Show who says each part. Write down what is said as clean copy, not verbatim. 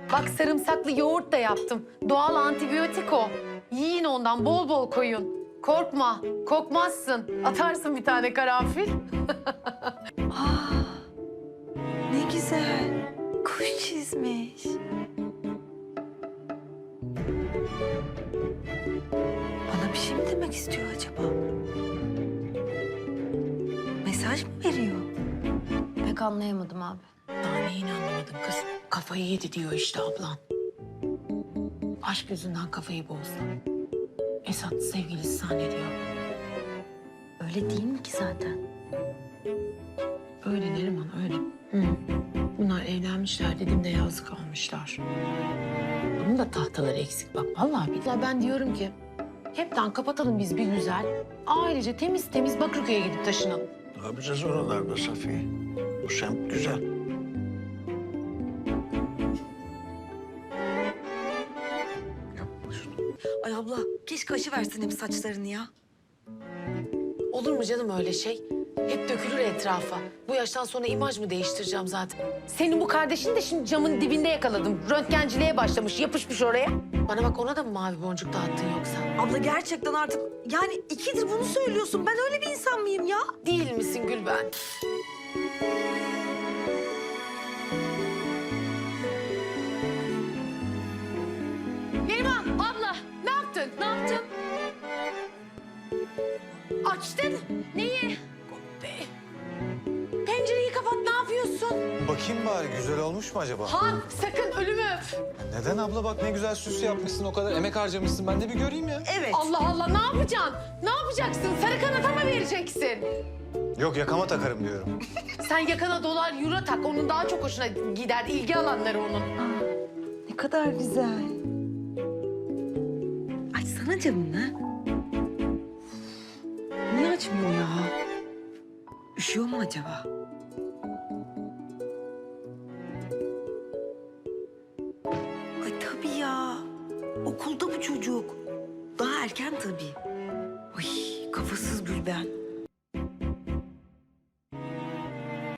Speaker 1: Bak sarımsaklı yoğurt da yaptım. Doğal antibiyotik o. Yiyin ondan, bol bol koyun. Korkma, kokmazsın. Atarsın bir tane karanfil.
Speaker 2: Ne güzel. Kuş çizmiş. Bana bir şey mi demek istiyor acaba? Mesaj mı veriyor?
Speaker 1: Pek anlayamadım abi.
Speaker 3: Daha neyini anlamadım kız? Kafayı yedi diyor işte ablan. Aşk yüzünden kafayı bozdu. Esat sevgilisi zannediyor.
Speaker 2: Öyle değil mi ki zaten?
Speaker 3: Öyle Neriman öyle. Bunlar evlenmişler dediğimde yazık almışlar. Bunun da tahtaları eksik bak vallahi billahi. Ben diyorum ki hepten kapatalım biz bir güzel. Ailece temiz temiz Bakırköy'e gidip taşınalım.
Speaker 4: Ne yapacağız oralarda Safiye? Bu semt güzel. Yapma şunu.
Speaker 2: Ay abla keşke aşı versin hep saçlarını ya.
Speaker 3: Olur mu canım öyle şey? Hep dökülür etrafa. Bu yaştan sonra imaj mı değiştireceğim zaten?
Speaker 1: Senin bu kardeşini de şimdi camın dibinde yakaladım. Röntgenciliğe başlamış, yapışmış oraya.
Speaker 3: Bana bak ona da mı mavi boncuk dağıttın yoksa?
Speaker 2: Abla gerçekten artık yani 2'dir bunu söylüyorsun. Ben öyle bir insan mıyım ya?
Speaker 3: Değil misin Gülben?
Speaker 1: Neriman, abla ne yaptın? Ne yaptın? Açtın. Neyi? Be. Pencereyi kapat, ne yapıyorsun?
Speaker 5: Bakayım bari güzel olmuş mu acaba?
Speaker 1: Han, sakın ölümü öp.
Speaker 5: Neden abla bak ne güzel süs yapmışsın o kadar emek harcamışsın ben de bir göreyim ya.
Speaker 2: Evet.
Speaker 1: Allah Allah, ne yapacaksın? Ne yapacaksın? Sarı kanata mı vereceksin?
Speaker 5: Yok yakama takarım diyorum.
Speaker 1: Sen yakana dolar, euro tak. Onun daha çok hoşuna gider. İlgi alanları onun.
Speaker 2: Ne kadar güzel. Açsana camını. Niye açmıyor ya? Üşüyor mu acaba? Ay tabii ya. Okulda bu çocuk. Daha erken tabii. Ay kafasız Gülben.